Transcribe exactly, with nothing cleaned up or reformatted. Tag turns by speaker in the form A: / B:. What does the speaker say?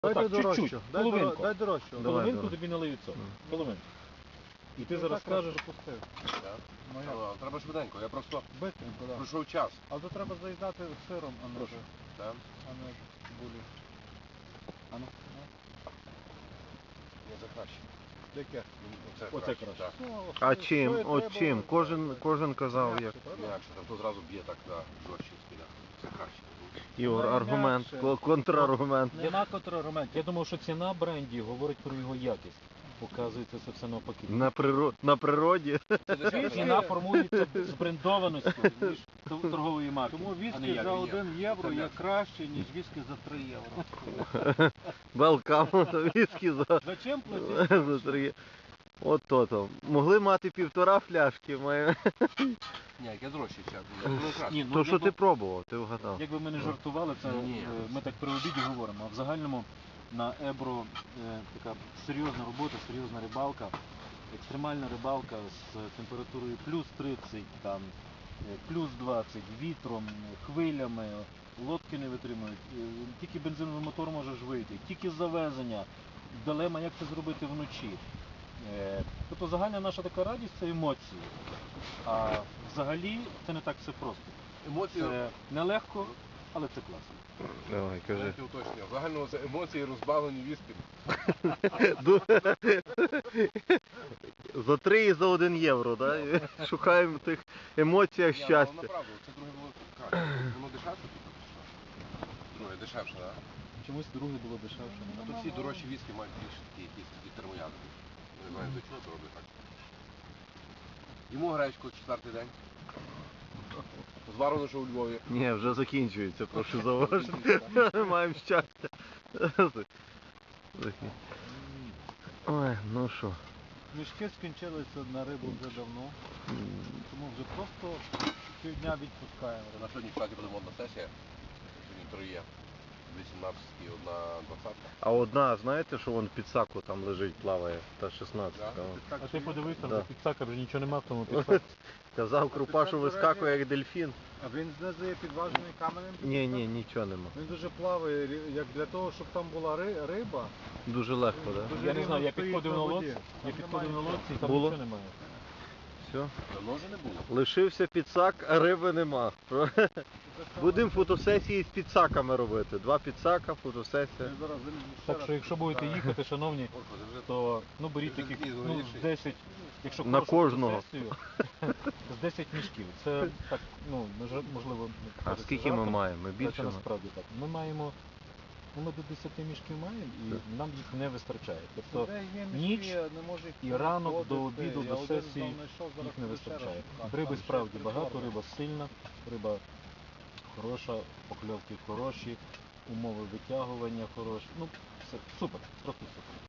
A: Дай
B: Отак,
A: дорожчу,
B: чуть-чуть,
A: дай,
B: половинку.
A: доро- дай дорожчу.
C: Давай,
B: Половинку
C: давай.
B: тобі налию цього. Половинку. І ти
A: Ну,
B: зараз
A: так
B: скажеш,
A: пропустив.
D: Так?
A: Ну як?
D: Ну, треба швиденько, я просто
A: Бистренько, так.
D: пройшов час.
A: А то треба заїдати сиром, а не,
B: Прошу.
D: Так?
A: а не булі. А ну, ну.
D: Ні, це краще.
A: Яке?
D: Ну, Оце,
B: Оце
D: краще.
B: краще.
D: Так.
A: Ну,
C: А
A: що-
C: чим?
A: що і
C: От
A: треба,
C: чим?
A: так,
C: Кожен,
A: так.
C: кожен казав, як.
A: М'якше, правда?
D: Інакше, там то зразу б'є так на жорстче спіля. Це краще.
C: Ігор,
A: Ну,
C: аргумент,
A: інакше.
C: ко- контраргумент.
B: нема контраргументів. Я думав, що ціна бренді говорить про його якість. Оказується, це все навпаки.
C: На, приро... на природі.
D: Це дешевше,
B: Ціна
D: так?
B: формується з брендованістю ніж торгової марки.
A: Тому
B: а не
A: віскі
B: як.
A: за один євро
D: Це
A: є
D: м'ясо.
A: краще, ніж віскі за три євро.
C: Велкам, віскі за,
A: Зачем платити?
C: за три. От то то. Могли мати півтора фляшки. Має.
D: Ні, яке дорожче ще. Воно краще.
B: Ні, ну,
C: То що
B: якби-
C: ти пробував, ти вгадав.
B: Якби ми не жартували, це
D: Ні.
B: е, ми так при обіді говоримо. А в загальному на Ебро е, така серйозна робота, серйозна рибалка, екстремальна рибалка з температурою плюс тридцять, там, е, плюс двадцять, вітром, хвилями, лодки не витримують. Е, Тільки бензиновий мотор можеш вийти, тільки завезення, дилема, як це зробити вночі. Е, Тобто загальна наша така радість це емоції. А взагалі це не так все просто.
D: Емоції,
B: Це нелегко, але це класно.
C: Давай, кажи.
D: знаєте, уточнення. Загально це емоції розбавлені віскі.
C: Ду- За три і за один євро, да? І шукаємо в тих емоціях
D: Ні, ну,
C: щастя.
D: направду, це друге було краще. Воно дешевше тут? Друге, дешевше, так?
B: Чомусь друге було дешевше.
D: А тут всі дорожчі віскі мають більше такі якісь такі термоядри. Не знаю, до чого це роблять так. Йому гречку четвертий день. Зварено, що у Львові.
C: Ні, вже закінчується, прошу зауважити. Маємо щастя. Ой, ну що.
A: Мішки скінчилися на рибу вже давно, тому вже просто півдня відпускаємо.
D: На сьогодні, кстати, буде модна сесія. Сьогодні три є. вісімнадцять і одна двадцятка.
C: А одна, знаєте, що вон під саку там лежить, плаває, та шістнадцятка.
D: Да?
C: вон.
A: Так,
B: А
A: що
B: ти подивись, там
C: Да.
B: за підсака вже нічого нема в тому підсаку.
C: Казав Крупа, що вискакує як дельфін.
A: А він знизу є підважений каменем?
C: Ні, ні, нічого нема.
A: Він дуже плаває, рі- як для того, щоб там була ри- риба.
C: Дуже легко, так? Да?
A: Дуже
B: Я не знаю, я
A: рівно
B: підходив на
A: стоїть на
B: лодці,
A: воді.
B: я
A: Там
B: підходив на
A: немає.
B: лодці і там
C: Було?
B: нічого немає.
C: Все.
D: Давно вже не було.
C: Лишився підсак, а риби нема.
A: Це саме-
C: Будемо фотосесії з підсаками робити. Два підсака, фотосесія.
A: Я зараз вилізу ще
B: Так
A: раз.
B: що якщо будете їхати, шановні,
D: Господи, вже
B: то ну беріть
D: Ти вже
B: таких
D: такий
B: ну,
D: згоріший.
B: з десять, якщо
C: На
B: хорошу
C: кожного.
B: фотосесію, з десять мішків. Це так, ну, мож- можливо,
C: А
B: кажеться
C: скільки ми
B: жартом,
C: маємо? Ми
B: але це
C: більше маємо?
B: насправді так. Ми маємо, ну ми до десяти мішків маємо і нам їх не вистачає. Тобто
A: Де є мішки,
B: ніч
A: я не можу їх
B: і ранок до
A: знаходити.
B: обіду,
A: Я
B: до
A: один
B: сесії
A: знайшов, зараз
B: їх не
A: буду ще раз
B: вистачає.
A: шукати.
B: Риби
A: Там ще
B: справді
A: три
B: багато,
A: форми.
B: риба сильна, риба хороша, покльовки хороші, умови витягування хороші. Ну, все, супер, просто супер.